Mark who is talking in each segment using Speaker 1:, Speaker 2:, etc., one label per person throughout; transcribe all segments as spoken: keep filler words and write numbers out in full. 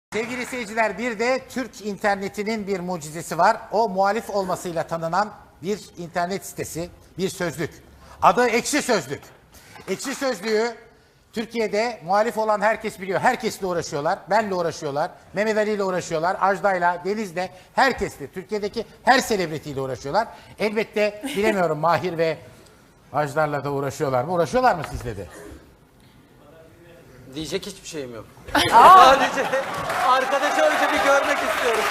Speaker 1: Sevgili seyirciler, bir de Türk internetinin bir mucizesi var. O muhalif olmasıyla tanınan bir internet sitesi, bir sözlük. Adı Ekşi Sözlük. Ekşi Sözlüğü Türkiye'de muhalif olan herkes biliyor. Herkesle uğraşıyorlar. Benle uğraşıyorlar. Mehmet Ali ile uğraşıyorlar. Ajda'yla, Deniz'le, herkesle. Türkiye'deki her selebritiyle uğraşıyorlar. Elbette bilemiyorum Mahir ve Ajdar'la da uğraşıyorlar mı? Uğraşıyorlar mı sizle de?
Speaker 2: Diyecek hiçbir şeyim yok. Sadece arkadaşı önce bir görmek istiyorum.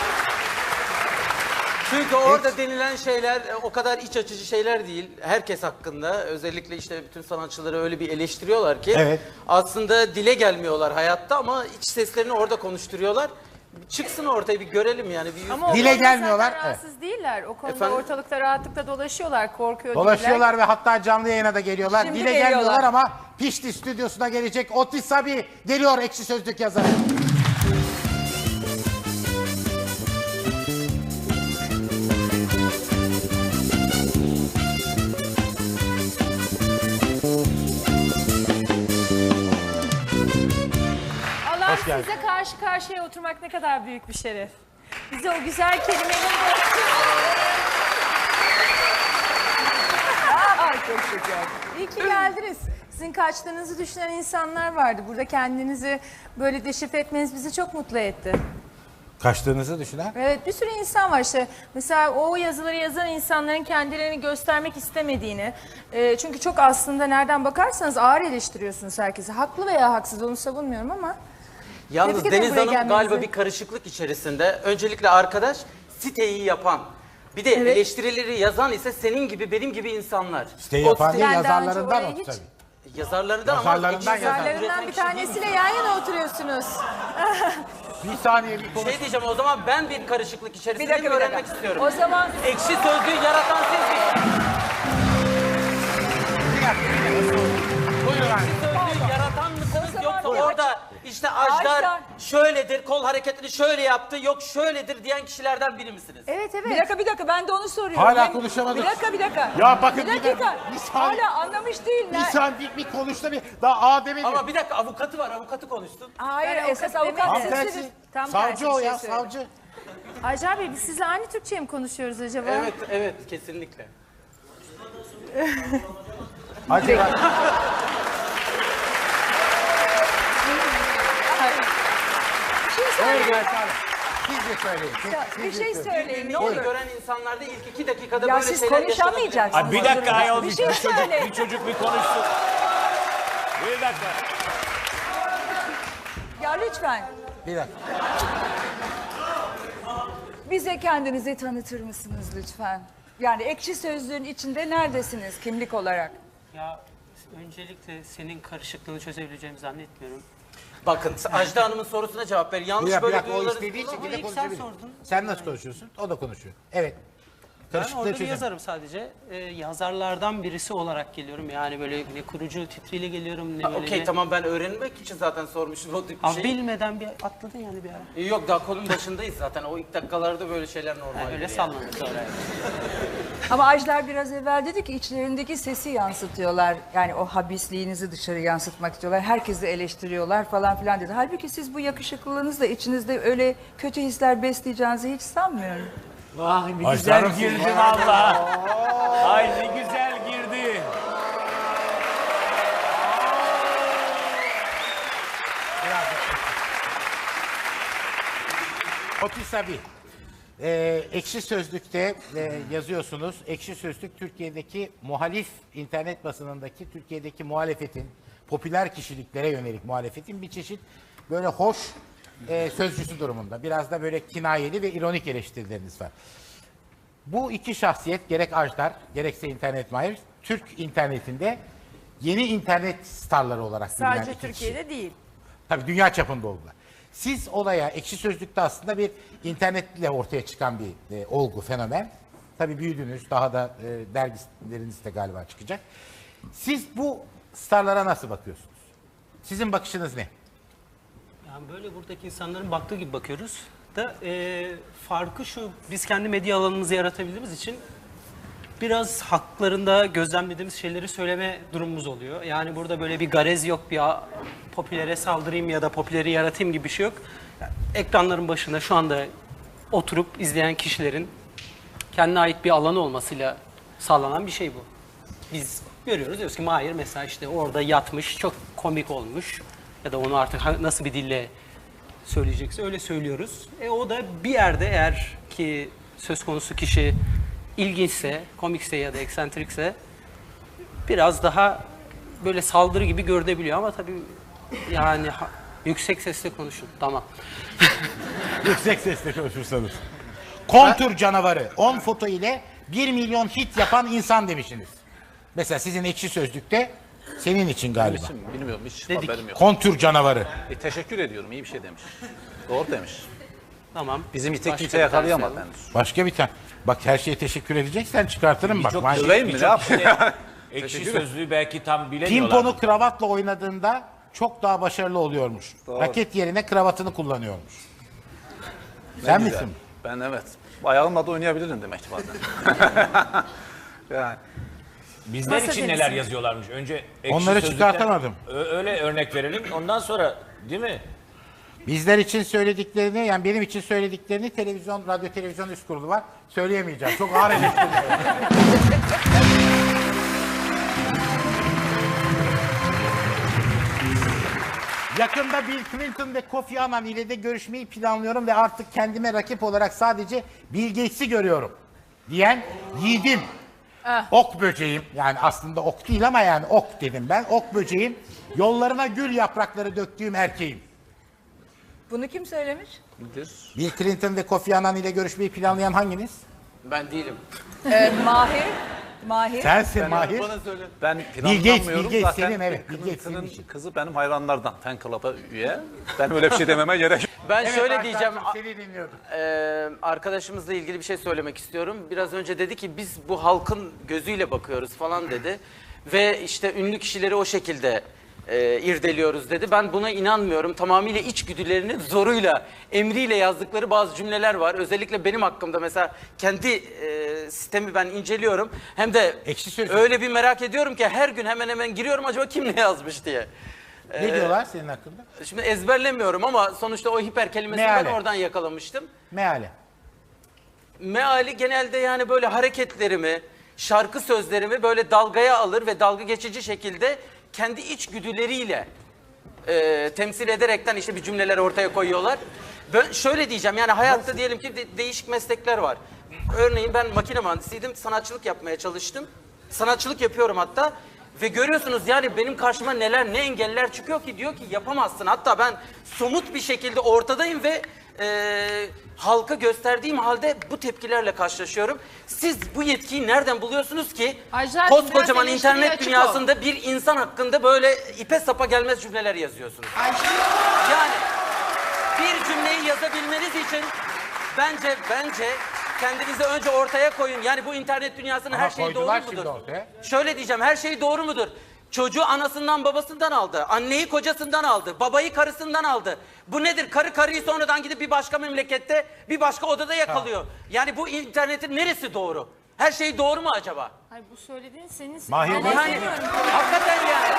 Speaker 2: Çünkü orada denilen şeyler o kadar iç açıcı şeyler değil. Herkes hakkında, özellikle işte bütün sanatçıları öyle bir eleştiriyorlar ki
Speaker 1: evet.
Speaker 2: Aslında dile gelmiyorlar hayatta ama iç seslerini orada konuşturuyorlar. Çıksın ortaya bir görelim yani. Bir
Speaker 1: ama dile gelmiyorlar.
Speaker 3: Rahatsız evet. değiller. O konuda
Speaker 2: Efendim?
Speaker 3: ortalıkta rahatlıkla dolaşıyorlar, korkuyor
Speaker 1: Dolaşıyorlar
Speaker 3: değiller.
Speaker 1: ve hatta canlı yayına da geliyorlar.
Speaker 3: Şimdi
Speaker 1: Dile
Speaker 3: geliyorlar.
Speaker 1: gelmiyorlar ama Pişti stüdyosuna gelecek Otis Sabi geliyor, Ekşi Sözlük yazarı.
Speaker 3: Allah
Speaker 1: Hoş geldin.
Speaker 3: size karşı karşıya oturmak ne kadar büyük bir şeref. Bize o güzel kelimenin Aa, çok şeker. İyi ki geldiniz. Sizin kaçtığınızı düşünen insanlar vardı. Burada kendinizi böyle deşifre etmeniz bizi çok mutlu etti.
Speaker 1: Kaçtığınızı düşünen?
Speaker 3: Evet, bir sürü insan var işte. Mesela o yazıları yazan insanların kendilerini göstermek istemediğini. E, çünkü çok aslında nereden bakarsanız ağır eleştiriyorsunuz herkese. Haklı veya haksız onu savunmuyorum ama.
Speaker 2: Yalnız
Speaker 3: Tebrik ederim
Speaker 2: Deniz
Speaker 3: buraya
Speaker 2: Hanım
Speaker 3: gelmenizi.
Speaker 2: galiba bir karışıklık içerisinde. Öncelikle arkadaş siteyi yapan. Bir de
Speaker 3: Evet.
Speaker 2: eleştirileri yazan ise senin gibi benim gibi insanlar.
Speaker 1: Siteyi
Speaker 2: O
Speaker 1: yapan
Speaker 2: site-
Speaker 1: değil,
Speaker 3: Ben daha önce
Speaker 1: yazarlarından
Speaker 3: oraya
Speaker 1: o
Speaker 3: hiç-
Speaker 1: tabii.
Speaker 2: Yazarlarından ama
Speaker 1: Yazarlarından
Speaker 2: ekşi
Speaker 1: yazar.
Speaker 2: sözlük üreten
Speaker 3: Yazarlarından bir
Speaker 2: kişi değil mi?
Speaker 3: tanesiyle yan yana oturuyorsunuz.
Speaker 1: Bir saniye bir konuş.
Speaker 2: Şey diyeceğim, o zaman ben bir karışıklık
Speaker 3: Bir
Speaker 2: içerisinde
Speaker 3: dakika, bir
Speaker 2: öğrenmek
Speaker 3: dakika.
Speaker 2: istiyorum.
Speaker 3: O zaman
Speaker 2: Ekşi sözlüğü yaratan siz mi?
Speaker 1: Bir dakika, bir dakika. Buyurun abi.
Speaker 2: Sözlüğü yaratan mısınız
Speaker 3: O zaman
Speaker 2: yoksa
Speaker 3: bir
Speaker 2: orada işte Ajdar
Speaker 3: Ajdar.
Speaker 2: şöyledir, kol hareketini şöyle yaptı, yok şöyledir diyen kişilerden biri misiniz?
Speaker 3: evet evet.
Speaker 4: Bir dakika bir dakika ben de onu soruyorum.
Speaker 1: Hala
Speaker 4: Ben-
Speaker 1: konuşamadık.
Speaker 4: Bir dakika bir dakika.
Speaker 1: Ya bakın
Speaker 4: bir
Speaker 1: bir
Speaker 4: dakika.
Speaker 1: dakika, bir saniye.
Speaker 4: Hala anlamış değil.
Speaker 1: Bir
Speaker 4: Ne?
Speaker 1: saniye bir, bir konuştu bir. Daha A demedim.
Speaker 2: Ama bir dakika, avukatı var, avukatı konuşsun.
Speaker 4: Hayır
Speaker 3: Ben
Speaker 4: esas
Speaker 3: avukat
Speaker 4: avukat
Speaker 3: demedim.
Speaker 1: Tam
Speaker 4: sizsiniz.
Speaker 1: tersi.
Speaker 3: Tam tersi
Speaker 1: Savcı
Speaker 3: bir
Speaker 1: o
Speaker 3: şey
Speaker 1: ya,
Speaker 3: söyledim.
Speaker 1: savcı.
Speaker 3: Acar Bey biz sizle aynı Türkçe mi konuşuyoruz acaba?
Speaker 2: Evet, evet, kesinlikle.
Speaker 1: Hadi bak. Buyurun efendim. Siz de söyleyin. Siz, siz
Speaker 4: Bir
Speaker 1: de
Speaker 4: şey
Speaker 1: söyleyin.
Speaker 4: söyleyin ne
Speaker 2: Onu
Speaker 4: olur.
Speaker 2: gören insanlarda ilk iki dakikada
Speaker 4: Ya
Speaker 2: böyle
Speaker 4: siz
Speaker 2: şeyler yaşanabilir.
Speaker 4: konuşamayacaksınız.
Speaker 5: Abi bir dakika ayol,
Speaker 4: Bir
Speaker 5: bir,
Speaker 4: şey
Speaker 5: bir çocuk,
Speaker 4: söyle.
Speaker 5: bir çocuk bir konuşsun. Bir dakika.
Speaker 4: Ya lütfen
Speaker 1: Bir dakika.
Speaker 4: bize kendinizi tanıtır mısınız lütfen? Yani Ekşi Sözlüğün içinde neredesiniz kimlik olarak?
Speaker 6: Ya öncelikle senin karışıklığını çözebileceğimi zannetmiyorum.
Speaker 2: Bakın, Ajda Hanım'ın sorusuna cevap ver.
Speaker 1: Bir
Speaker 2: Yanlış
Speaker 1: dakika, bir
Speaker 2: böyle
Speaker 1: dakika. O
Speaker 2: duyuları-
Speaker 1: istediği
Speaker 6: Ama
Speaker 1: şekilde
Speaker 6: ilk sen
Speaker 1: konuşabilir.
Speaker 6: sordun.
Speaker 1: Sen nasıl konuşuyorsun? O da konuşuyor. Evet.
Speaker 6: Ben
Speaker 1: Karışıklığı
Speaker 6: orada bir
Speaker 1: çözün.
Speaker 6: yazarım sadece. Ee, yazarlardan birisi olarak geliyorum. Yani böyle ne kurucu titriyle geliyorum ne
Speaker 2: Ha,
Speaker 6: böyle
Speaker 2: Okey
Speaker 6: ne-
Speaker 2: tamam, ben öğrenmek için zaten sormuşum o tip bir
Speaker 6: Abi
Speaker 2: şey.
Speaker 6: bilmeden bir atladın yani bir ara.
Speaker 2: Yok, daha konunun başındayız zaten. O ilk dakikalarda böyle şeyler normal.
Speaker 6: Yani öyle
Speaker 2: yani.
Speaker 6: sallanır sonra. yani.
Speaker 4: Ama Ajdar biraz evvel dedi ki içlerindeki sesi yansıtıyorlar. Yani o habisliğinizi dışarı yansıtmak istiyorlar. Herkesi eleştiriyorlar falan filan dedi. Halbuki siz bu yakışıklılığınızla içinizde öyle kötü hisler besleyeceğinizi hiç sanmıyorum.
Speaker 5: Vay ne güzel girdi valla. Ay ne güzel girdi.
Speaker 1: Otis Sabi. Ee, Ekşi Sözlük'te e, yazıyorsunuz. Ekşi Sözlük Türkiye'deki muhalif internet basınındaki Türkiye'deki muhalefetin, popüler kişiliklere yönelik muhalefetin bir çeşit böyle hoş e, sözcüsü durumunda. Biraz da böyle kinayeli ve ironik eleştirileriniz var. Bu iki şahsiyet, gerek Ajdar gerekse internet mahir, Türk internetinde yeni internet starları olarak bilinen
Speaker 3: Sadece
Speaker 1: iki kişi.
Speaker 3: Türkiye'de değil.
Speaker 1: Tabii dünya çapında oldular. Siz olaya Ekşi Sözlük'te aslında bir internetle ortaya çıkan bir e, olgu, fenomen. Tabii büyüdünüz, daha da e, dergileriniz de galiba çıkacak. Siz bu starlara nasıl bakıyorsunuz? Sizin bakışınız ne?
Speaker 6: Yani böyle buradaki insanların baktığı gibi bakıyoruz. Da e, farkı şu, biz kendi medya alanımızı yaratabildiğimiz için biraz haklarında gözlemlediğimiz şeyleri söyleme durumumuz oluyor. Yani burada böyle bir garez yok, bir a- popülere saldırayım ya da popüleri yaratayım gibi bir şey yok. ekranların başında şu anda oturup izleyen kişilerin kendine ait bir alanı olmasıyla sağlanan bir şey bu. Biz görüyoruz, diyoruz ki Mahir mesela işte orada yatmış, çok komik olmuş ya da onu artık ha- nasıl bir dille söyleyecekse öyle söylüyoruz. E o da bir yerde eğer ki söz konusu kişi ilginçse, komikse ya da eksentrikse biraz daha böyle saldırı gibi görünebiliyor ama tabii yani ha- yüksek sesle konuşun. Tamam.
Speaker 1: Yüksek sesle konuşursanız. Kontur canavarı on foto ile bir milyon hit yapan insan demişsiniz. Mesela sizin Ekşi Sözlük'te senin için galiba.
Speaker 7: Için bilmiyorum, hiç
Speaker 6: Dedik.
Speaker 7: haberim yok.
Speaker 1: Kontür canavarı.
Speaker 7: E, teşekkür ediyorum, iyi bir şey demiş. Doğru demiş.
Speaker 6: Tamam.
Speaker 7: Bizim ite
Speaker 6: Başka
Speaker 7: kimse
Speaker 6: bir
Speaker 7: yakalayamadı
Speaker 6: tane
Speaker 7: henüz.
Speaker 1: Başka bir tane. Bak her şeye teşekkür edeceksen çıkartırım bak.
Speaker 5: Çok
Speaker 1: Manşet-
Speaker 7: Döveyim mi, ne yapayım?
Speaker 5: Ekşi sözlüğü belki tam bilemiyorlar.
Speaker 1: Pimponu kravatla oynadığında çok daha başarılı oluyormuş. Raket yerine kravatını kullanıyormuş. Sen
Speaker 7: Güzel.
Speaker 1: misin?
Speaker 7: Ben evet. Ayağımla da oynayabilirim demek ki bazen. yani.
Speaker 5: Bizler
Speaker 3: Masa
Speaker 5: için
Speaker 3: tenisi.
Speaker 5: neler yazıyorlarmış. Önce ekşi
Speaker 1: Onları
Speaker 5: sözlükten
Speaker 1: çıkartamadım.
Speaker 5: ö- öyle örnek verelim. Ondan sonra değil mi?
Speaker 1: Bizler için söylediklerini, yani benim için söylediklerini televizyon, radyo televizyon üst kurulu var. Söyleyemeyeceğim. Çok ağır eleştiriler. Yakında Bill Clinton ve Kofi Annan ile de görüşmeyi planlıyorum ve artık kendime rakip olarak sadece Bill Gates'i görüyorum diyen yiğidim. Ok böceğim, yani aslında ok değil ama yani ok dedim ben. Ok böceğim, yollarına gül yaprakları döktüğüm erkeğim.
Speaker 4: Bunu kim söylemiş?
Speaker 7: Nedir?
Speaker 1: Bill Clinton ve Kofi Annan ile görüşmeyi planlayan hanginiz?
Speaker 2: Ben değilim.
Speaker 4: Ee, Mahir. Mahir.
Speaker 1: Sensin Mahir.
Speaker 7: Ben
Speaker 1: Gates,
Speaker 7: planlamıyorum.
Speaker 1: Bill Gates
Speaker 7: Zaten
Speaker 1: senin, evet, Bill Gates
Speaker 7: Clinton'ın
Speaker 1: senin için.
Speaker 7: kızı benim hayranlardan. Fan club'a üye. Ben öyle bir şey dememe gerek yok.
Speaker 2: Ben
Speaker 1: Evet,
Speaker 2: şöyle
Speaker 1: Hakan'cığım,
Speaker 2: diyeceğim.
Speaker 1: Seni dinliyordum.
Speaker 2: Ee, arkadaşımızla ilgili bir şey söylemek istiyorum. Biraz önce dedi ki biz bu halkın gözüyle bakıyoruz falan dedi. Ve işte ünlü kişileri o şekilde e, irdeliyoruz dedi. Ben buna inanmıyorum. Tamamıyla içgüdülerinin zoruyla, emriyle yazdıkları bazı cümleler var. Özellikle benim hakkımda mesela kendi e, sistemi ben inceliyorum. Hem de
Speaker 1: Ekşi Sözlük.
Speaker 2: öyle bir merak ediyorum ki her gün hemen hemen giriyorum acaba kim ne yazmış diye.
Speaker 1: Ne diyorlar senin hakkında?
Speaker 2: Şimdi ezberlemiyorum ama sonuçta o hiper kelimesini ben
Speaker 1: Meale.
Speaker 2: oradan yakalamıştım.
Speaker 1: Meale.
Speaker 2: Meali genelde yani böyle hareketlerimi, şarkı sözlerimi böyle dalgaya alır ve dalga geçici şekilde kendi içgüdüleriyle e, temsil ederekten işte bir cümleler ortaya koyuyorlar. Ben şöyle diyeceğim, yani hayatta diyelim ki de- değişik meslekler var. Örneğin ben makine mühendisiydim, sanatçılık yapmaya çalıştım. Sanatçılık yapıyorum hatta. Ve görüyorsunuz yani benim karşıma neler, ne engeller çıkıyor ki, diyor ki yapamazsın. Hatta ben somut bir şekilde ortadayım ve e, halka gösterdiğim halde bu tepkilerle karşılaşıyorum. Siz bu yetkiyi nereden buluyorsunuz ki
Speaker 3: Ajda,
Speaker 2: koskocaman
Speaker 3: biraz eleştiriye
Speaker 2: internet
Speaker 3: açık ol.
Speaker 2: dünyasında bir insan hakkında böyle ipe sapa gelmez cümleler yazıyorsunuz? Yani bir cümleyi yazabilmeniz için bence bence kendinizi önce ortaya koyun. Yani bu internet dünyasının
Speaker 1: Ama
Speaker 2: her şeyi doğru
Speaker 1: koydular
Speaker 2: mudur?
Speaker 1: şimdi ortaya.
Speaker 2: Şöyle diyeceğim, her şey doğru mudur? Çocuğu anasından babasından aldı. Anneyi kocasından aldı. Babayı karısından aldı. Bu nedir? Karı karıyı sonradan gidip bir başka memlekette, bir başka odada yakalıyor. Yani bu internetin neresi doğru? Her şey doğru mu acaba?
Speaker 3: Hayır, bu söylediğin senin...
Speaker 1: Mahir
Speaker 3: Ben
Speaker 1: Bey.
Speaker 2: Yani
Speaker 3: demiyorum.
Speaker 2: hakikaten yani.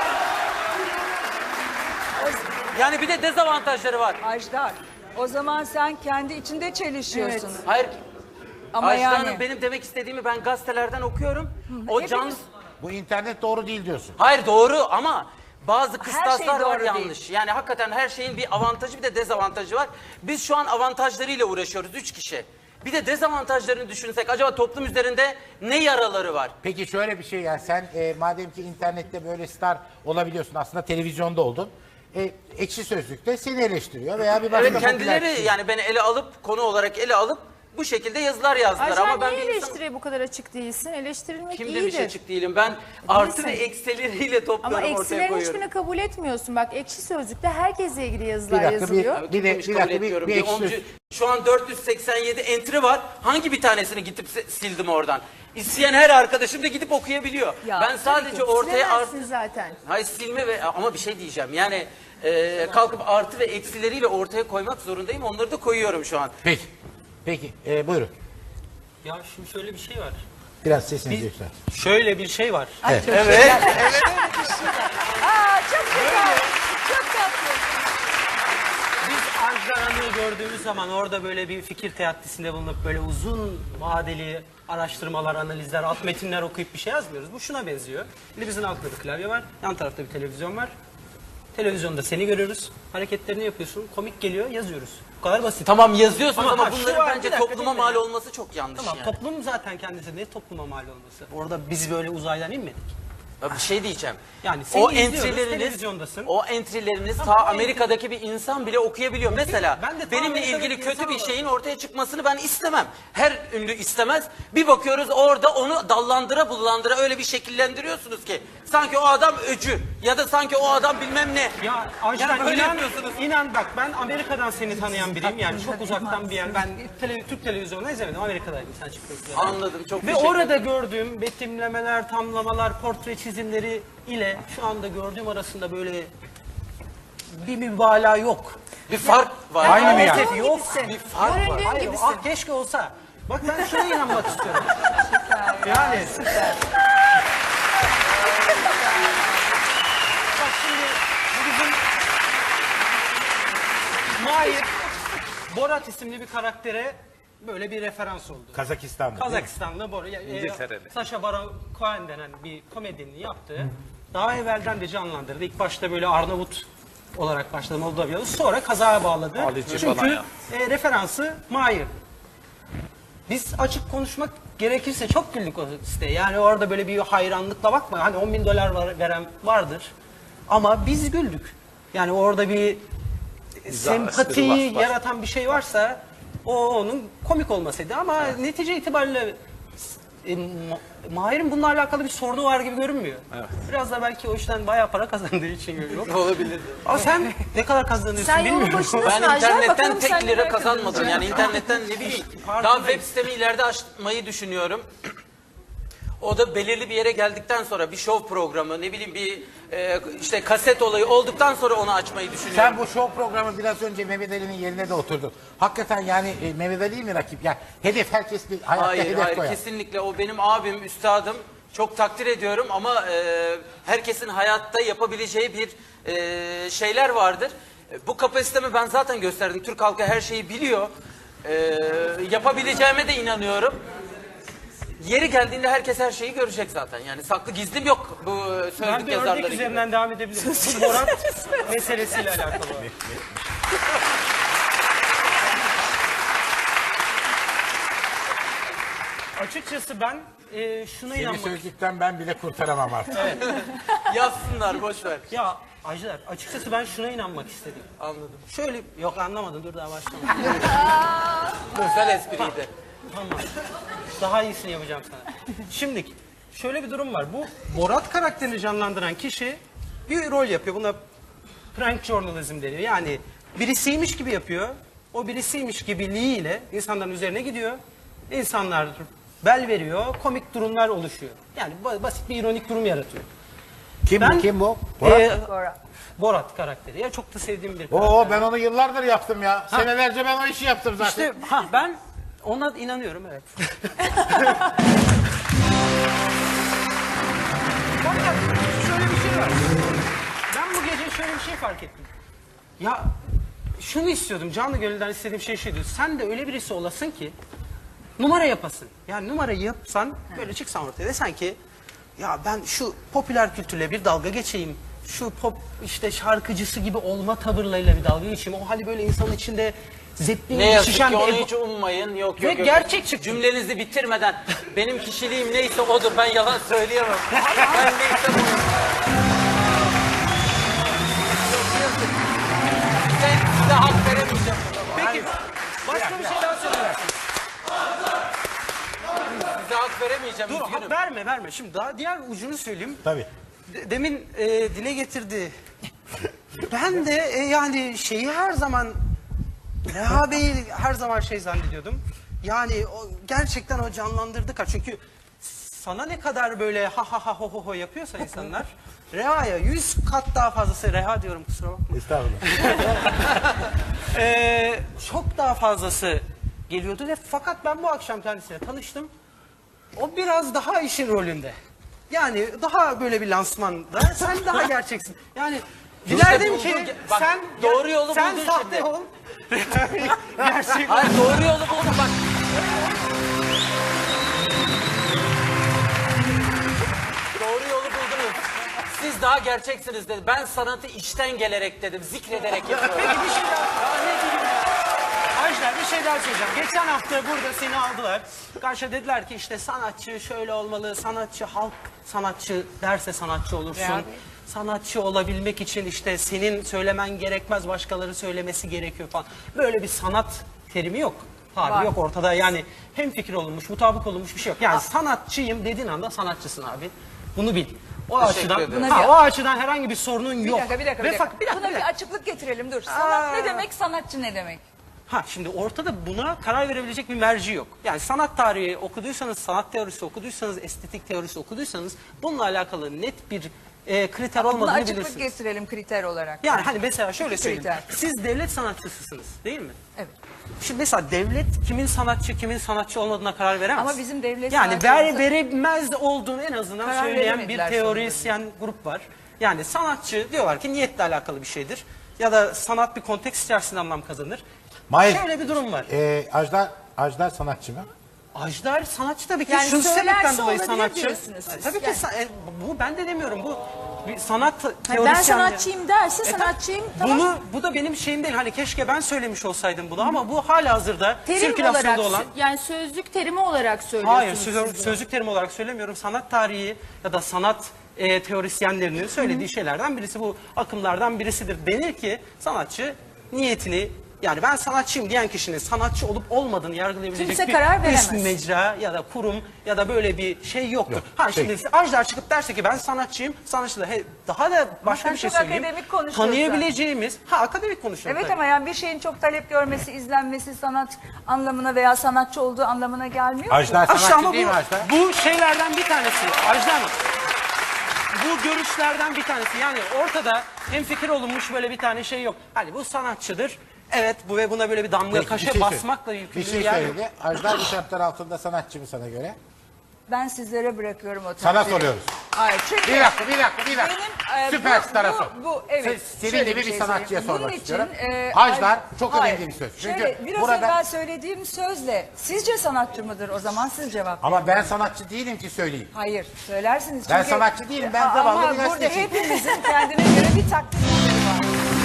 Speaker 2: Yani bir de dezavantajları var.
Speaker 4: Ajdar. O zaman sen kendi içinde çelişiyorsun.
Speaker 3: Evet.
Speaker 2: Hayır.
Speaker 4: Ama
Speaker 2: Ajda
Speaker 4: yani
Speaker 2: Hanım, benim demek istediğimi ben gazetelerden okuyorum. O
Speaker 4: hepimiz-
Speaker 2: canlı...
Speaker 1: Bu internet doğru değil diyorsun.
Speaker 2: Hayır doğru ama bazı
Speaker 4: şey
Speaker 2: kıstaslar var
Speaker 4: doğru
Speaker 2: yanlış. Yani hakikaten her şeyin bir avantajı bir de dezavantajı var. Biz şu an avantajlarıyla uğraşıyoruz üç kişi. Bir de dezavantajlarını düşünsek acaba toplum üzerinde ne yaraları var?
Speaker 1: Peki şöyle bir şey, yani sen e, madem ki internette böyle star olabiliyorsun, aslında televizyonda oldun. E, Ekşi Sözlük'te seni eleştiriyor veya bir başka
Speaker 2: Evet,
Speaker 1: popüler
Speaker 2: kendileri
Speaker 1: kişi.
Speaker 2: yani beni ele alıp konu olarak ele alıp bu şekilde yazılar yazdılar
Speaker 3: Ajda,
Speaker 2: ama ben
Speaker 3: niye
Speaker 2: bir insan...
Speaker 3: eleştiriye bu kadar açık değilsin? Eleştirilmek
Speaker 2: Kim
Speaker 3: iyidir.
Speaker 2: demiş açık değilim, ben artı ve
Speaker 3: Değilsin.
Speaker 2: eksileriyle topluyorum,
Speaker 3: Ama
Speaker 2: ortaya
Speaker 3: eksilerin
Speaker 2: koyuyorum.
Speaker 3: hiçbirini kabul etmiyorsun. Bak Ekşi Sözlük'te herkesle ilgili yazılar
Speaker 1: Bir dakika, bir-
Speaker 3: yazılıyor.
Speaker 1: Bir de-
Speaker 2: Kimmiş
Speaker 1: bir
Speaker 2: kabul
Speaker 1: dakika, bir-
Speaker 2: etmiyorum.
Speaker 1: bir
Speaker 2: Bir
Speaker 1: ekşi
Speaker 2: oncu-
Speaker 1: söz-
Speaker 2: Şu an dört yüz seksen yedi entry var. Hangi bir tanesini gidip se- sildim oradan? İsteyen her arkadaşım da gidip okuyabiliyor.
Speaker 4: Ya,
Speaker 2: ben sadece
Speaker 3: Tabii ki.
Speaker 2: ortaya artı...
Speaker 3: Silemezsin zaten.
Speaker 2: Hayır silme ve ama bir şey diyeceğim. Yani e, kalkıp artı ve eksileriyle ortaya koymak zorundayım. Onları da koyuyorum şu an.
Speaker 1: Peki. Peki. E, buyurun.
Speaker 6: Ya şimdi şöyle bir şey var.
Speaker 1: Biraz sesinizi yükselt.
Speaker 6: Şöyle bir şey var.
Speaker 4: Aa, çok güzel. Çok tatlı.
Speaker 6: Biz Aranlığı gördüğümüz zaman orada böyle bir fikir teatisinde bulunup böyle uzun vadeli araştırmalar, analizler, alt metinler okuyup bir şey yazmıyoruz. Bu şuna benziyor. Elimizin altında bir klavye var, yan tarafta bir televizyon var. Televizyonda seni görüyoruz, hareketlerini yapıyorsun, komik geliyor, yazıyoruz. Bu kadar basit.
Speaker 2: Tamam yazıyorsunuz ama,
Speaker 6: ha, şu
Speaker 2: bunların
Speaker 6: var,
Speaker 2: bence
Speaker 6: bir dakika,
Speaker 2: topluma
Speaker 6: dinle.
Speaker 2: mal olması çok yanlış
Speaker 6: Tamam,
Speaker 2: yani.
Speaker 6: toplum zaten kendisi ne topluma mal olması. Orada biz böyle uzaydan inmedik.
Speaker 2: Ya bir şey diyeceğim.
Speaker 6: Yani seni
Speaker 2: o
Speaker 6: izliyoruz,
Speaker 2: entry'leriniz,
Speaker 6: televizyondasın.
Speaker 2: o entry'leriniz
Speaker 6: Tamam,
Speaker 2: ta
Speaker 6: o
Speaker 2: Amerika'daki bir insan bile okuyabiliyor. Mesela
Speaker 6: ben de ta
Speaker 2: benimle
Speaker 6: Amerika'daki
Speaker 2: ilgili kötü
Speaker 6: insan
Speaker 2: bir
Speaker 6: olarak-
Speaker 2: şeyin ortaya çıkmasını ben istemem. Her ünlü istemez. Bir bakıyoruz orada onu dallandıra bullandıra öyle bir şekillendiriyorsunuz ki sanki o adam öcü ya da sanki o adam bilmem ne.
Speaker 6: Ya Ajda
Speaker 2: Yani böyle
Speaker 6: inan,
Speaker 2: yapıyorsunuz.
Speaker 6: inan bak ben Amerika'dan seni tanıyan biriyim yani çok uzaktan bir yer. Ben tele, Türk televizyonunda izlemedim, Amerika'daydım sen çıktın.
Speaker 2: Anladım, çok
Speaker 6: Ve
Speaker 2: teşekkür
Speaker 6: orada
Speaker 2: ederim.
Speaker 6: gördüğüm betimlemeler, tamlamalar, portre çizimleri ile şu anda gördüğüm arasında böyle bir mübalağa yok.
Speaker 2: Bir fark var.
Speaker 5: Aynı mı yani?
Speaker 6: Maalesef yok.
Speaker 2: Bir fark var.
Speaker 3: Göründüğün
Speaker 6: Hayır,
Speaker 3: gibisin.
Speaker 6: ah keşke olsa. Bak ben şuna inanmak istiyorum. Yani süper. Bak şimdi bu bizim Mahir Borat isimli bir karaktere böyle bir referans oldu.
Speaker 1: Kazakistan'da. değil mi?
Speaker 6: Kazakistan'da Borat, e,
Speaker 7: İngiltere'de.
Speaker 6: Sacha Baron Cohen denen bir komedyenin yaptığı, daha evvelden de canlandırdı. İlk başta böyle Arnavut olarak başladı Moldovyalı, sonra kazaya bağladı.
Speaker 7: Haliç'i
Speaker 6: Çünkü
Speaker 7: falan ya.
Speaker 6: e, referansı Mahir. Biz açık konuşmak gerekirse çok güldük o siteye. Yani orada böyle bir hayranlıkla bakma. Hani on bin dolar var, veren vardır. Ama biz güldük. Yani orada bir
Speaker 7: Mizah,
Speaker 6: sempati
Speaker 7: espri var, var.
Speaker 6: yaratan bir şey varsa o onun komik olmasıydı. Ama netice itibariyle e, Ma- Mahir'in bununla alakalı bir sorunu var gibi görünmüyor. Biraz da belki o işten bayağı para kazandığı için görüyor.
Speaker 2: Olabilir.
Speaker 6: Ama sen ne kadar kazanıyorsun
Speaker 3: Sen yolun
Speaker 6: bilmiyorum.
Speaker 3: başındasın
Speaker 2: Ben
Speaker 3: Ajda.
Speaker 2: internetten
Speaker 3: Bakalım sen
Speaker 2: tek lira
Speaker 3: neler
Speaker 2: kazanmadım.
Speaker 3: kazanacaksın.
Speaker 2: Yani internetten ne bileyim. Daha
Speaker 6: Farkındayım.
Speaker 2: web sitemi ileride açmayı düşünüyorum. O da belirli bir yere geldikten sonra bir show programı, ne bileyim bir e, işte kaset olayı olduktan sonra onu açmayı düşünüyorum.
Speaker 1: Sen bu show programı biraz önce Mehmet Ali'nin yerine de oturdun. Hakikaten yani e, Mehmet Ali mi rakip? Yani hedef herkes bir hayatta
Speaker 2: Hayır,
Speaker 1: hedef
Speaker 2: hayır
Speaker 1: koyar.
Speaker 2: kesinlikle o benim abim, üstadım. Çok takdir ediyorum ama e, herkesin hayatta yapabileceği bir e, şeyler vardır. E, bu kapasitemi ben zaten gösterdim. Türk halkı her şeyi biliyor. E, yapabileceğime de inanıyorum. Yeri geldiğinde herkes her şeyi görecek zaten. Yani saklı gizlim yok bu
Speaker 6: Ben
Speaker 2: sözlük
Speaker 6: bir
Speaker 2: yazarları
Speaker 6: örnek
Speaker 2: gibi.
Speaker 6: üzerinden devam edebilirim. Bu Borat meselesiyle alakalı. Açıkçası ben e, şuna
Speaker 1: Seni
Speaker 6: inanmak...
Speaker 1: sözlükten ben bile kurtaramam artık.
Speaker 2: Yazsınlar boş ver.
Speaker 6: Ya Ajdar, açıkçası ben şuna inanmak istedim.
Speaker 2: Anladım.
Speaker 6: Şöyle, yok anlamadın, dur daha başlamadım.
Speaker 2: Güzel espriydi.
Speaker 6: Tamam. Daha iyisini yapacağım sana. Şimdi şöyle bir durum var. Bu Borat karakterini canlandıran kişi bir rol yapıyor. Buna prank journalism deniyor. Yani birisiymiş gibi yapıyor. O birisiymiş gibiliğiyle insanların üzerine gidiyor. İnsanlar bel veriyor. Komik durumlar oluşuyor. Yani ba- basit bir ironik durum yaratıyor.
Speaker 1: Kim
Speaker 6: Ben-
Speaker 1: bu kim bu? Borat.
Speaker 6: Ee, Borat karakteri. Ya çok da sevdiğim bir karakter.
Speaker 1: Oo ben onu yıllardır yaptım ya. Senelerce ben o işi yaptım zaten.
Speaker 6: İşte ha, ben ona inanıyorum, evet. Fakat şöyle bir şey var. Ben bu gece şöyle bir şey fark ettim. Ya şunu istiyordum, canlı gönülden istediğim şey şuydu. Sen de öyle birisi olasın ki numara yapasın. Yani numarayı yapsan, böyle çıksan ortaya desen ki ya ben şu popüler kültürle bir dalga geçeyim. Şu pop işte şarkıcısı gibi olma tavırlarıyla bir dalga geçeyim. O hali böyle insanın içinde zepperin
Speaker 2: Ne yazık
Speaker 6: şişen
Speaker 2: ki
Speaker 6: bir
Speaker 2: onu
Speaker 6: ego-
Speaker 2: hiç ummayın. Yok
Speaker 6: Ve
Speaker 2: yok yok.
Speaker 6: gerçek çıktı.
Speaker 2: Cümlenizi bitirmeden benim kişiliğim neyse odur. Ben yalan söyleyemem. Ben neyse bu. Size, size hak veremeyeceğim.
Speaker 6: Peki başka bir şey daha söyle.
Speaker 2: Size hak veremeyeceğim.
Speaker 6: Dur
Speaker 2: üzgünüm.
Speaker 6: hak verme verme. Şimdi daha diğer ucunu söyleyeyim.
Speaker 1: Tabii.
Speaker 6: De- demin e, dile getirdi. Ben de e, yani şeyi her zaman Reha Bey'i her zaman şey zannediyordum. Yani o, gerçekten o canlandırdı. ka- Çünkü sana ne kadar böyle ha ha ha ho ho ho yapıyorsa insanlar Reha'ya yüz kat daha fazlası, Reha diyorum kusura bakma.
Speaker 1: Estağfurullah.
Speaker 6: Ee, çok daha fazlası geliyordu ve fakat ben bu akşam kendisiyle tanıştım. O biraz daha işin rolünde. Yani daha böyle bir lansmanda sen daha gerçeksin. Yani dilerdim
Speaker 2: buldun
Speaker 6: ki
Speaker 2: ki- bak,
Speaker 6: sen
Speaker 2: doğru yolu
Speaker 6: sen
Speaker 2: buldun
Speaker 6: sahte
Speaker 2: şimdi.
Speaker 6: ol. Gerçekten.
Speaker 2: Hayır doğru yolu buldum bak. Doğru yolu buldunuz. Siz daha gerçeksiniz dedi. Ben sanatı içten gelerek dedim, zikrederek yapıyorum.
Speaker 6: Peki bir şey daha. Ya ne diyeyim ya? Ajda bir şey daha söyleyeceğim. Geçen hafta burada seni aldılar. Karşıya dediler ki işte sanatçı şöyle olmalı. Sanatçı halk sanatçı derse sanatçı olursun.
Speaker 4: Ya.
Speaker 6: Sanatçı olabilmek için işte senin söylemen gerekmez, başkaları söylemesi gerekiyor falan. Böyle bir sanat terimi yok. Tabiri
Speaker 4: Var.
Speaker 6: yok ortada. Yani hemfikir olunmuş, mutabık olunmuş bir şey yok. Yani sanatçıyım dediğin anda sanatçısın abi. Bunu bil. O
Speaker 2: Teşekkür
Speaker 6: açıdan,
Speaker 2: ederim.
Speaker 6: ha, o açıdan herhangi bir sorunun
Speaker 4: Bir
Speaker 6: yok.
Speaker 4: dakika, bir dakika,
Speaker 6: Ve
Speaker 4: bir dakika.
Speaker 6: fak- bir dakika,
Speaker 4: Buna
Speaker 6: bir
Speaker 4: bir
Speaker 6: dakika.
Speaker 4: açıklık getirelim. Dur. Sanat ne demek, sanatçı ne demek?
Speaker 6: Ha şimdi ortada buna karar verebilecek bir merci yok. Yani sanat tarihi okuduysanız, sanat teorisi okuduysanız, estetik teorisi okuduysanız bununla alakalı net bir e, kriter
Speaker 4: Buna
Speaker 6: olmadığını
Speaker 4: açıklık
Speaker 6: bilirsiniz.
Speaker 4: getirelim kriter olarak.
Speaker 6: Yani hani mesela şöyle söyleyeyim.
Speaker 4: Kriter.
Speaker 6: Siz devlet sanatçısısınız değil mi?
Speaker 4: Evet.
Speaker 6: Şimdi mesela devlet kimin sanatçı, kimin sanatçı olmadığına karar veremez.
Speaker 4: Ama bizim devlet
Speaker 6: yani ver,
Speaker 4: sanatçılarımıza-
Speaker 6: veremez olduğunu en azından
Speaker 4: Karar
Speaker 6: söyleyen bir
Speaker 4: veremediler
Speaker 6: teorisyen grup var. Yani sanatçı diyorlar ki niyetle alakalı bir şeydir. Ya da sanat bir konteks içerisinde anlam kazanır.
Speaker 1: Mahir,
Speaker 6: Şöyle bir durum var.
Speaker 1: e, Ajdar, Ajdar sanatçı mı?
Speaker 6: Ajdar sanatçı tabii ki
Speaker 4: Yani
Speaker 6: şu sebepten
Speaker 4: söylerse
Speaker 6: dolayı
Speaker 4: olabilir
Speaker 6: sanatçı.
Speaker 4: diyorsunuz siz.
Speaker 6: Tabii ki
Speaker 4: Yani.
Speaker 6: sa- e, bu ben de demiyorum bu bir sanat
Speaker 3: Ha,
Speaker 6: teorisyen.
Speaker 3: ben sanatçıyım derse sanatçıyım. Tamam.
Speaker 6: Bunu bu da benim şeyim değil. Hani keşke ben söylemiş olsaydım bunu ama bu halihazırda
Speaker 3: Terim
Speaker 6: sirkülasyonda
Speaker 3: olarak,
Speaker 6: olan.
Speaker 3: yani sözlük terimi olarak söylüyorsunuz.
Speaker 6: Hayır,
Speaker 3: siz
Speaker 6: söz,
Speaker 3: bunu.
Speaker 6: sözlük terimi olarak söylemiyorum. Sanat tarihi ya da sanat e, teorisyenlerinin söylediği şeylerden birisi bu akımlardan birisidir. Denir ki sanatçı niyetini yani ben sanatçıyım diyen kişinin sanatçı olup olmadığını yargılayabilecek
Speaker 3: Kimse
Speaker 6: bir
Speaker 3: karar veremez.
Speaker 6: üst mecra ya da kurum ya da böyle bir şey yoktur.
Speaker 1: Yok,
Speaker 6: Ha
Speaker 1: peki.
Speaker 6: şimdi Ajdar çıkıp derse ki ben sanatçıyım, sanatçı da he, daha da başka
Speaker 4: sen
Speaker 6: bir şey
Speaker 4: çok
Speaker 6: söyleyeyim.
Speaker 4: akademik konuşuyorsun.
Speaker 6: Tanıyabileceğimiz, ha akademik konuşuyorum
Speaker 4: Evet
Speaker 6: tabii.
Speaker 4: ama yani bir şeyin çok talep görmesi, izlenmesi sanat anlamına veya sanatçı olduğu anlamına gelmiyor ki.
Speaker 1: Ajdar
Speaker 6: Aşağı
Speaker 1: sanatçı
Speaker 6: ama
Speaker 1: değil mi
Speaker 6: bu,
Speaker 1: Ajdar?
Speaker 6: bu şeylerden bir tanesi. Ajda Hanım. Bu görüşlerden bir tanesi. Yani ortada hemfikir olunmuş böyle bir tane şey yok. Hani bu sanatçıdır. Evet bu ve buna böyle bir damga
Speaker 1: Peki, bir
Speaker 6: kaşe
Speaker 1: şey söyle-
Speaker 6: basmakla
Speaker 1: Bir
Speaker 6: yükümlü
Speaker 1: şey
Speaker 6: yani.
Speaker 1: söyledi. Ajdar bu şartlar altında sanatçı mı sana göre?
Speaker 4: Ben sizlere bırakıyorum o
Speaker 1: Sana
Speaker 4: takdiri.
Speaker 1: soruyoruz.
Speaker 4: Hayır çünkü...
Speaker 1: Bir dakika, bir dakika, bir dakika.
Speaker 4: Benim, e,
Speaker 1: Süperstara
Speaker 4: bu-
Speaker 1: sor.
Speaker 4: bu- bu- evet.
Speaker 1: Se- Senin
Speaker 4: Şöyle
Speaker 1: gibi bir
Speaker 4: şey
Speaker 1: sanatçıya
Speaker 4: söyleyeyim.
Speaker 1: sormak
Speaker 4: Bunun için,
Speaker 1: istiyorum.
Speaker 4: e,
Speaker 1: Ajdar
Speaker 4: Aj-
Speaker 1: çok
Speaker 4: Hayır.
Speaker 1: önemli bir söz. Çünkü
Speaker 4: Şöyle, biraz
Speaker 1: burada-
Speaker 4: evvel söylediğim sözle sizce sanatçı mıdır o zaman siz cevap verin.
Speaker 1: Ama ben sanatçı değilim ki söyleyeyim.
Speaker 4: Hayır söylersiniz.
Speaker 1: Ben
Speaker 4: çünkü-
Speaker 1: sanatçı değilim, ben
Speaker 4: Ama
Speaker 1: zavallı bir
Speaker 4: burada
Speaker 1: gazeteciyim.
Speaker 4: hepimizin kendine göre bir takdirleri var.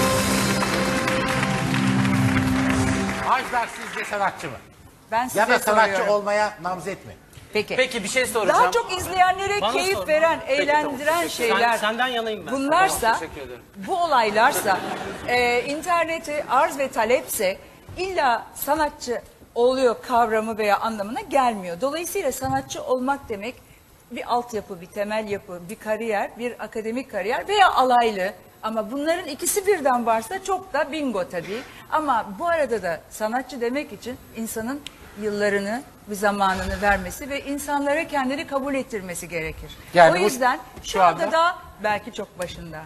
Speaker 1: Ajdar sizce sanatçı mı?
Speaker 4: Ben size
Speaker 1: Ya da sanatçı
Speaker 4: soruyorum.
Speaker 1: olmaya namzet mi?
Speaker 4: Peki.
Speaker 2: Peki bir şey soracağım.
Speaker 4: Daha çok izleyenlere
Speaker 6: Bana
Speaker 4: keyif
Speaker 6: sorma.
Speaker 4: veren,
Speaker 2: Peki, tamam,
Speaker 4: eğlendiren
Speaker 2: teşekkür
Speaker 6: Sen-
Speaker 4: şeyler.
Speaker 6: senden yanayım ben.
Speaker 4: Bunlarsa,
Speaker 2: Tamam, teşekkür ederim.
Speaker 4: bu olaylarsa, e, interneti arz ve talepse illa sanatçı oluyor kavramı veya anlamına gelmiyor. Dolayısıyla sanatçı olmak demek bir altyapı, bir temel yapı, bir kariyer, bir akademik kariyer veya alaylı. Ama bunların ikisi birden varsa çok da bingo tabii. Ama bu arada da sanatçı demek için insanın yıllarını ve zamanını vermesi ve insanlara kendini kabul ettirmesi gerekir.
Speaker 1: Yani
Speaker 4: o
Speaker 1: bu-
Speaker 4: yüzden şu,
Speaker 1: şu
Speaker 4: anda
Speaker 1: anda-
Speaker 4: da belki çok başında.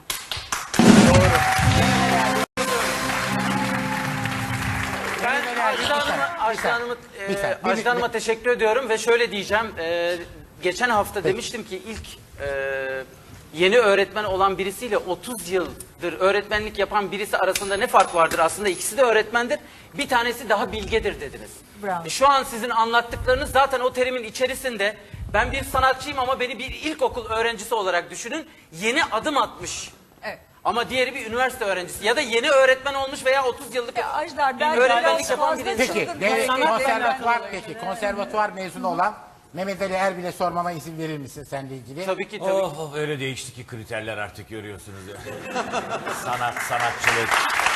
Speaker 2: Ben
Speaker 1: Bir
Speaker 2: Ajda
Speaker 1: saniye,
Speaker 2: Hanım'a,
Speaker 1: bir
Speaker 2: Ajda
Speaker 1: saniye.
Speaker 2: Hanım'a,
Speaker 1: Bir
Speaker 2: e,
Speaker 1: saniye, bir-
Speaker 2: Ajda Hanım'a
Speaker 1: bir-
Speaker 2: teşekkür ediyorum ve şöyle diyeceğim. e, geçen hafta demiştim ki ilk e, yeni öğretmen olan birisiyle otuz yıldır öğretmenlik yapan birisi arasında ne fark vardır? Aslında ikisi de öğretmendir. Bir tanesi daha bilgedir dediniz.
Speaker 4: Bravo.
Speaker 2: E, Şu an sizin anlattıklarınız zaten o terimin içerisinde. Ben bir sanatçıyım ama beni bir ilkokul öğrencisi olarak düşünün. Yeni adım atmış.
Speaker 4: Evet.
Speaker 2: Ama diğeri bir üniversite öğrencisi ya da yeni öğretmen olmuş veya otuz yıllık
Speaker 4: E, Ajdar,
Speaker 2: bir
Speaker 4: belki
Speaker 2: öğretmenlik
Speaker 4: biraz
Speaker 2: yapan
Speaker 4: fazla
Speaker 2: birisi.
Speaker 1: Peki,
Speaker 4: Çılgın
Speaker 1: devlet
Speaker 4: hareketler
Speaker 1: konservatuvar,
Speaker 4: olabilir.
Speaker 1: peki konservatuvar mezunu olan Mehmet Ali Erbil'e sormama izin verir misin seninle ilgili?
Speaker 2: Tabii ki tabii.
Speaker 5: Oh, oh, öyle değişti ki kriterler artık görüyorsunuz ya. Sanat, sanatçılık.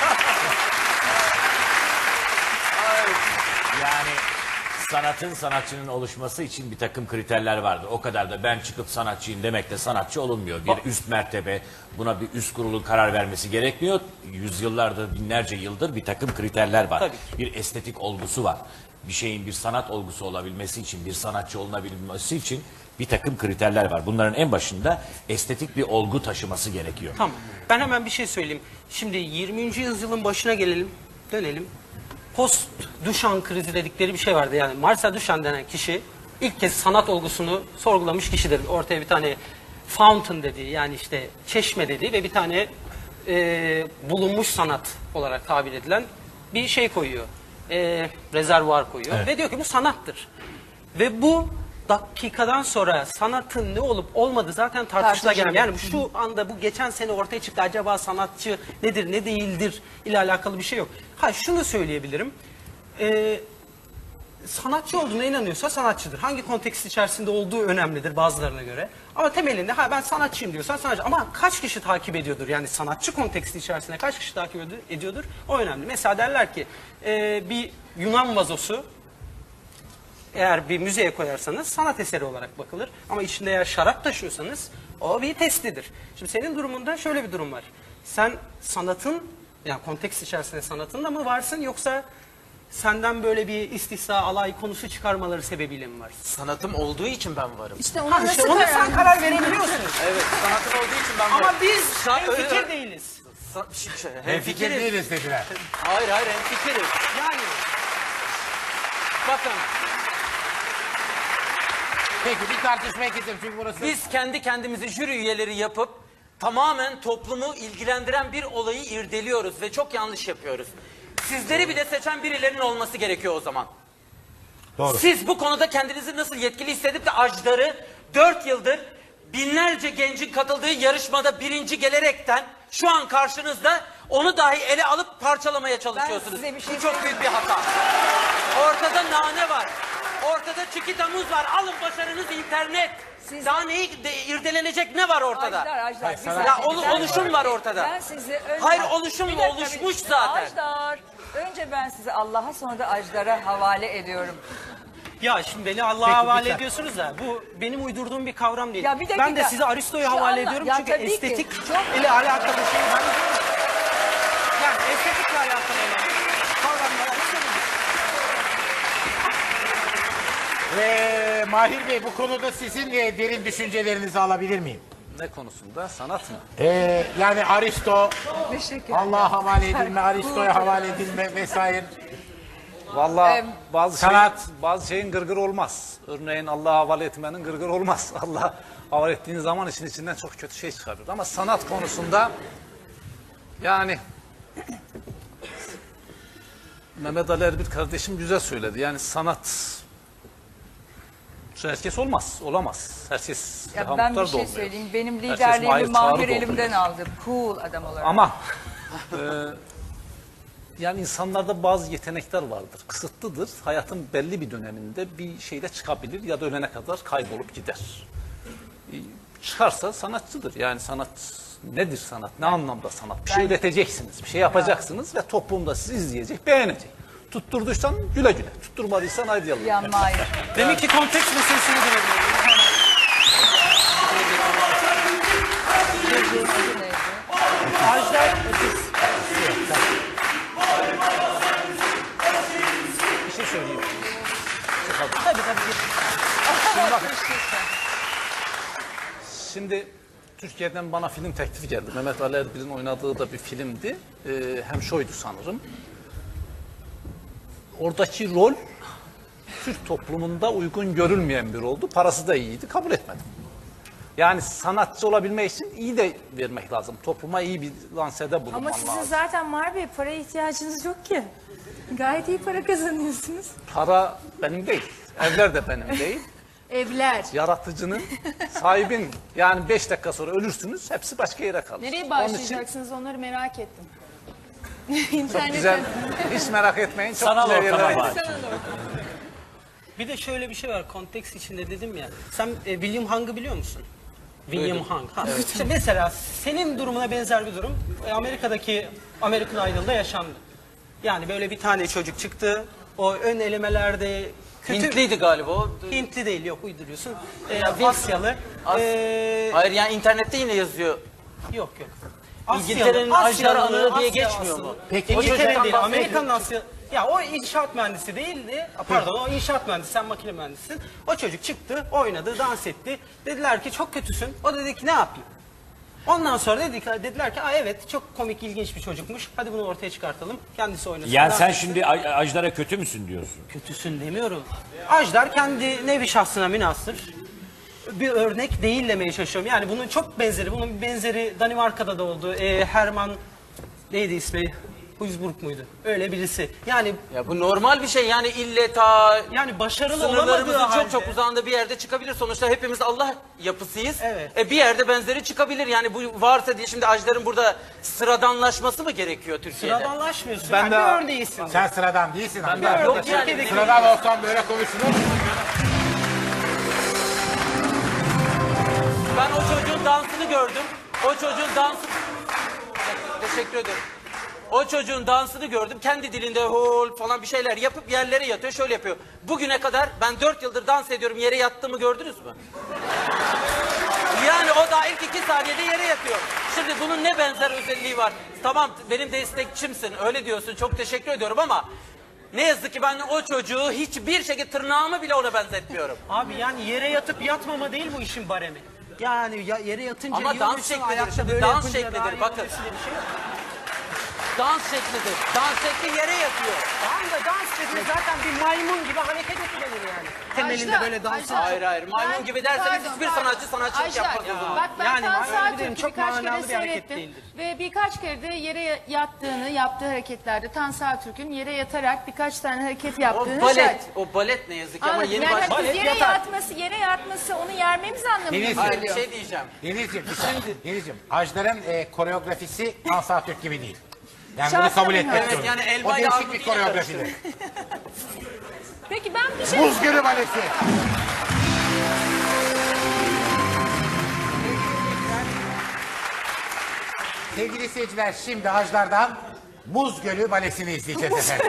Speaker 5: Yani sanatın sanatçının oluşması için bir takım kriterler vardır. O kadar da ben çıkıp sanatçıyım demekle sanatçı olunmuyor. Bir üst mertebe buna bir üst kurulun karar vermesi gerekmiyor. Yüzyıllardır, binlerce yıldır bir takım kriterler var.
Speaker 2: Tabii.
Speaker 5: Bir estetik olgusu var. Bir şeyin bir sanat olgusu olabilmesi için, bir sanatçı olunabilmesi için bir takım kriterler var. Bunların en başında estetik bir olgu taşıması gerekiyor.
Speaker 6: Tamam. Ben hemen bir şey söyleyeyim. Şimdi yirminci yüzyılın başına gelelim, dönelim. Post Duchamp krizi dedikleri bir şey vardı. Yani Marcel Duchamp denen kişi ilk kez sanat olgusunu sorgulamış kişidir. Ortaya bir tane fountain dediği yani işte çeşme dediği ve bir tane e, bulunmuş sanat olarak tabir edilen bir şey koyuyor. E, rezervuar koyuyor ve diyor ki bu sanattır. Ve bu dakikadan sonra sanatın ne olup olmadığı zaten tartışıla gelmiyor. Yani şu anda bu geçen sene ortaya çıktı. Acaba sanatçı nedir ne değildir ile alakalı bir şey yok. Ha şunu söyleyebilirim. Ee, sanatçı olduğuna inanıyorsa sanatçıdır. Hangi kontekst içerisinde olduğu önemlidir bazılarına göre. Ama temelinde ha ben sanatçıyım diyorsan sanatçı. Ama kaç kişi takip ediyordur? Yani sanatçı konteksti içerisinde kaç kişi takip ediyordur? O önemli. Mesela derler ki e, bir Yunan vazosu eğer bir müzeye koyarsanız sanat eseri olarak bakılır. Ama içinde eğer şarap taşıyorsanız o bir testidir. Şimdi senin durumunda şöyle bir durum var. Sen sanatın, yani kontekst içerisinde sanatında mı varsın yoksa senden böyle bir istihza, alay konusu çıkarmaları sebebiyle mi varsın?
Speaker 2: Sanatım olduğu için ben varım.
Speaker 3: İşte ona
Speaker 6: Ha, işte
Speaker 3: nasıl
Speaker 6: ona
Speaker 3: karar
Speaker 6: sen karar verebiliyorsun.
Speaker 2: Evet, sanatım olduğu için ben varım.
Speaker 6: Ama biz
Speaker 2: Sa-
Speaker 6: hemfikir
Speaker 2: öyle-
Speaker 6: değiliz.
Speaker 2: Sa- şi- şi-
Speaker 1: Hemfikir
Speaker 2: hemfikiriz.
Speaker 1: değiliz dediler.
Speaker 2: Hayır hayır hemfikiriz.
Speaker 6: Yani
Speaker 2: Bakın
Speaker 1: Peki bir tartışmaya gidelim çünkü burası...
Speaker 2: biz kendi kendimizi jüri üyeleri yapıp tamamen toplumu ilgilendiren bir olayı irdeliyoruz ve çok yanlış yapıyoruz. Sizleri bile seçen birilerinin olması gerekiyor o zaman.
Speaker 1: Doğru.
Speaker 2: Siz bu konuda kendinizi nasıl yetkili hissedip de Ajdar'ı dört yıldır binlerce gencin katıldığı yarışmada birinci gelerekten şu an karşınızda onu dahi ele alıp parçalamaya çalışıyorsunuz.
Speaker 4: size bir şey
Speaker 2: Bu çok büyük bir hata. Ortada nane var. Ortada çikita muz var. Alın başarınız internet.
Speaker 4: Siz-
Speaker 2: Daha neyi de, irdelenecek ne var ortada?
Speaker 4: Ajdar, Ajdar.
Speaker 1: Hayır,
Speaker 4: bir
Speaker 1: sanat-
Speaker 4: saniye,
Speaker 2: Ya olu-
Speaker 4: bir saniye.
Speaker 2: oluşum var ortada.
Speaker 4: Ben sizi önce...
Speaker 2: Hayır, oluşum
Speaker 4: Bir dakika,
Speaker 2: oluşmuş
Speaker 4: bir-
Speaker 2: zaten.
Speaker 4: Ajdar. Önce ben sizi Allah'a sonra da Ajdar'a havale ediyorum.
Speaker 6: ya şimdi beni Allah'a
Speaker 1: Peki,
Speaker 6: havale
Speaker 1: lütfen.
Speaker 6: ediyorsunuz da bu benim uydurduğum bir kavram değil.
Speaker 4: Ya bir dakika.
Speaker 6: Ben de size Aristo'yu
Speaker 4: Şu
Speaker 6: havale
Speaker 4: anla-
Speaker 6: ediyorum
Speaker 4: Ya
Speaker 6: çünkü
Speaker 4: tabii ki.
Speaker 6: estetik
Speaker 4: Çok-
Speaker 6: ile alakalı şey ben yani estetikle alakalı olan kavramlar Aristo'nun.
Speaker 1: Ee, Mahir Bey bu konuda sizin e, derin düşüncelerinizi alabilir miyim?
Speaker 7: Ne konusunda? Sanat mı?
Speaker 1: Ee, yani Aristo,
Speaker 4: Teşekkür
Speaker 1: Allah'a havale edilme, Aristo'ya havale edilme vesaire.
Speaker 7: Vallahi
Speaker 4: Em,
Speaker 7: bazı
Speaker 1: sanat-
Speaker 7: şeyin, bazı şeyin gırgır olmaz. Örneğin Allah'a havale etmenin gırgır olmaz. Allah'a havale ettiğin zaman işin içinden çok kötü şey çıkarır. Ama sanat konusunda yani Mehmet Ali Erbil kardeşim güzel söyledi. Yani sanat herkes olmaz, olamaz. Herkes
Speaker 4: Ya
Speaker 7: Reha
Speaker 4: ben
Speaker 7: Muhtar
Speaker 4: bir
Speaker 7: da
Speaker 4: şey
Speaker 7: olmuyor.
Speaker 4: söyleyeyim. Benim
Speaker 7: Herkes
Speaker 4: liderliğimi
Speaker 7: Mahir Çağrı
Speaker 4: Mahir
Speaker 7: da
Speaker 4: elimden
Speaker 7: olmuyor.
Speaker 4: aldı. Cool adam olarak.
Speaker 7: Ama e, yani insanlarda bazı yetenekler vardır. Kısıtlıdır. Hayatın belli bir döneminde bir şeyle çıkabilir ya da ölene kadar kaybolup gider. E, çıkarsa sanatçıdır. Yani sanat nedir sanat? Ne anlamda sanat? Bir şey üreteceksiniz, bir şey yapacaksınız ve toplum da sizi izleyecek, beğenecek. Tutturduysan güle güle, tutturmadıysan haydi yallah.
Speaker 4: Ya Mahir.
Speaker 6: Demek ki konteks meselesini görebiliyorum. Ajdar
Speaker 7: Bir şey söyleyeyim.
Speaker 6: tabii tabii.
Speaker 7: Şimdi Türkiye'den bana film teklifi geldi. Mehmet Ali Erbil'in oynadığı da bir filmdi. Ee, hem şuydu sanırım. Oradaki rol Türk toplumunda uygun görülmeyen bir oldu. Parası da iyiydi. Kabul etmedim. Yani sanatçı olabilmek için iyi de vermek lazım. Topluma iyi bir lansede bulunman
Speaker 3: Ama sizin
Speaker 7: lazım.
Speaker 3: zaten Mahir Bey paraya ihtiyacınız yok ki. Gayet iyi para kazanıyorsunuz.
Speaker 7: Para benim değil. Evler de benim değil.
Speaker 3: Evler.
Speaker 7: Yaratıcının, sahibin. Yani beş dakika sonra ölürsünüz. Hepsi başka yere kalır.
Speaker 3: Nereye
Speaker 7: Onun için
Speaker 3: bağışlayacaksınız onları merak ettim. İnternete.
Speaker 7: güzel. Hiç merak etmeyin. Çok
Speaker 5: Sanal
Speaker 7: güzel
Speaker 5: ortama
Speaker 7: yerlere
Speaker 5: var.
Speaker 7: gidecek.
Speaker 6: Bir de şöyle bir şey var konteks içinde dedim ya. Sen e, William Hung'ı biliyor musun? William Hung. Ha. İşte mesela senin durumuna benzer bir durum e, Amerika'daki American Idol'da yaşandı. Yani böyle bir tane çocuk çıktı. O ön elemelerde kötü...
Speaker 2: Hintliydi galiba o.
Speaker 6: Hintli değil yok uyduruyorsun. E, Asyalı.
Speaker 2: As-
Speaker 6: E,
Speaker 2: Hayır yani internette yine yazıyor.
Speaker 6: yok yok.
Speaker 2: İngiltere'nin Ajdar Anığı diye geçmiyor mu?
Speaker 1: Peki,
Speaker 2: o
Speaker 6: İngiltere
Speaker 2: çocuktan
Speaker 6: değil,
Speaker 2: bahsediyor.
Speaker 6: Amerikan Asya. Ya o inşaat mühendisi değildi. Pardon o inşaat mühendisi, sen makine mühendisisin. O çocuk çıktı, oynadı, dans etti. Dediler ki çok kötüsün. O dedi ki ne yapayım? Ondan sonra dedik, dediler ki Aa, evet çok komik ilginç bir çocukmuş. Hadi bunu ortaya çıkartalım. Kendisi oynasın.
Speaker 5: Yani
Speaker 6: dans
Speaker 5: sen
Speaker 6: etsin.
Speaker 5: şimdi Aj- Ajdar'a kötü müsün diyorsun?
Speaker 6: Kötüsün demiyorum. Ajdar kendi nevi şahsına münhasır bir örnek değil demeye çalışıyorum. Yani bunun çok benzeri, bunun bir benzeri Danimarka'da da oldu. Ee, Herman neydi ismi? Duisburg muydu? Öyle birisi. Yani
Speaker 2: Ya bu normal bir şey yani ille ta
Speaker 6: yani başarılı olamadığı
Speaker 2: sınırlarımızın
Speaker 6: halde.
Speaker 2: çok çok uzağında bir yerde çıkabilir. Sonuçta hepimiz Allah yapısıyız.
Speaker 6: Evet.
Speaker 2: E bir yerde benzeri çıkabilir. Yani bu varsa diye şimdi Ajdar'ın burada sıradanlaşması mı gerekiyor Türkiye'de?
Speaker 6: Sıradanlaşmıyorsun.
Speaker 7: Ben
Speaker 6: Ben
Speaker 7: de-
Speaker 6: bir örneğisin.
Speaker 1: Sen sıradan değilsin. Ben
Speaker 2: Yok
Speaker 6: Yok,
Speaker 2: yani.
Speaker 6: Türkiye'deki-
Speaker 1: Sıradan olsam böyle konuşulur.
Speaker 2: Ben o çocuğun dansını gördüm. O çocuğun dansı... Teşekkür ederim. O çocuğun dansını gördüm. Kendi dilinde hol falan bir şeyler yapıp yerlere yatıyor. Şöyle yapıyor. Bugüne kadar ben dört yıldır dans ediyorum. Yere yattığımı gördünüz mü? Yani o da ilk iki saniyede yere yatıyor. Şimdi bunun ne benzer özelliği var? Tamam benim destekçimsin. Öyle diyorsun. Çok teşekkür ediyorum ama... Ne yazık ki ben o çocuğu hiçbir şekilde tırnağımı bile ona benzetmiyorum.
Speaker 6: Abi yani yere yatıp yatmama değil bu işin baremi. Yani ya, yere yatınca
Speaker 2: Ama
Speaker 6: iyi
Speaker 2: dans
Speaker 6: oluyorsun,
Speaker 2: şeklidir.
Speaker 6: ayakta
Speaker 2: Şimdi
Speaker 6: böyle
Speaker 2: dans
Speaker 6: yapınca
Speaker 2: şeklidir,
Speaker 6: daha iyi
Speaker 2: bakın.
Speaker 6: oluyorsun diye bir şey yok.
Speaker 2: Dans şeklidir. Dans şekli yere yatıyor.
Speaker 6: Tamam da dans şekli zaten bir maymun gibi hareket edilir yani. Temelinde
Speaker 3: Ajda,
Speaker 6: böyle dans.
Speaker 3: Ajda.
Speaker 2: Hayır hayır. Maymun
Speaker 3: Ben-
Speaker 2: gibi derseniz
Speaker 3: pardon,
Speaker 2: hiçbir
Speaker 3: pardon.
Speaker 2: sanatçı sanatçılık
Speaker 3: Ajda,
Speaker 2: yapmaz o zaman.
Speaker 3: Bak ben
Speaker 6: Yani
Speaker 3: Tan
Speaker 6: öyle
Speaker 3: Sağ
Speaker 6: dedim,
Speaker 3: Türk'ü
Speaker 6: çok
Speaker 3: birkaç
Speaker 6: manalı
Speaker 3: kere
Speaker 6: bir hareket
Speaker 3: seyrettim.
Speaker 6: değildir.
Speaker 3: Ve birkaç kere de yere yattığını, yaptığı hareketlerde Tan Sağ Türk'ün yere yatarak birkaç tane hareket yaptığını
Speaker 2: O balet.
Speaker 3: şahit-
Speaker 2: O balet ne yazık ki ama
Speaker 3: Anladım.
Speaker 2: yeni
Speaker 3: Yani
Speaker 2: başladı.
Speaker 3: biz yere yatması, yere yatması onu yermemiz anlamına
Speaker 1: Deniz-
Speaker 2: Hayır bir
Speaker 3: geliyor.
Speaker 2: şey diyeceğim.
Speaker 1: Denizciğim, bir saniye. Denizciğim, Ajdar'ın e, koreografisi Hans Türk gibi değil. Yani
Speaker 3: Şahsen
Speaker 1: bunu kabul
Speaker 3: öyle.
Speaker 1: etmek
Speaker 3: Evet,
Speaker 1: zorunda.
Speaker 2: yani elma
Speaker 1: O
Speaker 2: ile
Speaker 1: değişik
Speaker 2: armut
Speaker 1: bir
Speaker 2: yine
Speaker 1: koreografidir.
Speaker 3: Peki ben bir şey...
Speaker 1: Buz Gölü Balesi. Sevgili seyirciler, şimdi Ajdar'dan Buz Gölü Balesi'ni izleyeceğiz efendim.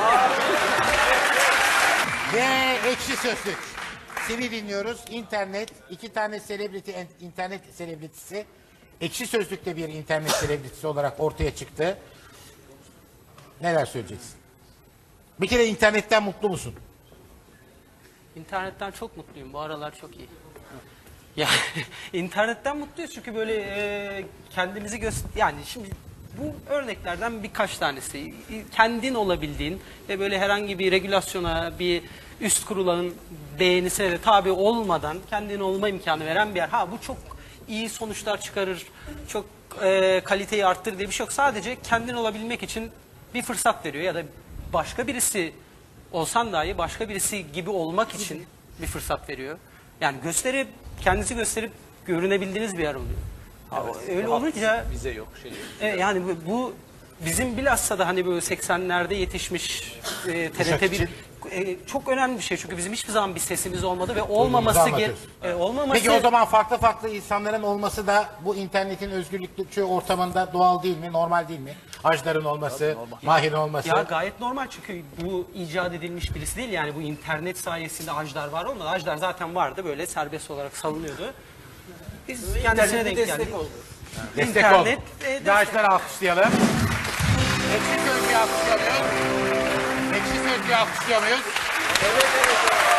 Speaker 1: Ve Ekşi Sözlük. Seni dinliyoruz. İnternet, iki tane selebriti, internet selebritisi. Ekşi Sözlük'te bir internet selebritisi olarak ortaya çıktı. Neler söyleyeceksin? Bir kere internetten mutlu musun?
Speaker 6: İnternetten çok mutluyum. Bu aralar çok iyi. Ya internetten mutluyuz çünkü böyle e, kendimizi göster... Yani şimdi bu örneklerden birkaç tanesi. Kendin olabildiğin ve böyle herhangi bir regülasyona, bir üst kurulanın beğenisine de tabi olmadan kendin olma imkanı veren bir yer. Ha bu çok iyi sonuçlar çıkarır, çok e, kaliteyi arttırır diye bir şey yok. Sadece kendin olabilmek için bir fırsat veriyor ya da başka birisi olsan dahi başka birisi gibi olmak için bir fırsat veriyor. Yani gösterip, kendinizi gösterip görünebildiğiniz bir yer oluyor. Ha, öyle olunca
Speaker 7: Bize yok şey yok.
Speaker 6: e, yani bu, bu bizim bilhassa da hani böyle seksenlerde yetişmiş e, T R T bir
Speaker 1: için.
Speaker 6: e, çok önemli bir şey çünkü bizim hiçbir zaman bir sesimiz olmadı ve olmaması ge-
Speaker 1: anlatıyorsun.
Speaker 6: e, olmaması
Speaker 1: Peki o zaman farklı farklı insanların olması da bu internetin özgürlükçü ortamında doğal değil mi? Normal değil mi? Ajdar'ın olması, Mahir'in olması.
Speaker 6: ya gayet normal çünkü bu icat edilmiş birisi değil yani bu internet sayesinde Ajdar var olmadı. Ajdar zaten vardı böyle serbest olarak salınıyordu. Biz kendisine
Speaker 2: İnternete
Speaker 6: denk
Speaker 2: destek
Speaker 6: geldik.
Speaker 2: oldu.
Speaker 1: Destek
Speaker 6: İnternet,
Speaker 1: oldu.
Speaker 6: e, destek-
Speaker 1: Bir Ajdar'ı alkışlayalım. Ekşi Sözlüğü alkışlıyor muyuz? Ekşi Sözlüğü alkışlıyor muyuz?
Speaker 2: Evet evet. evet.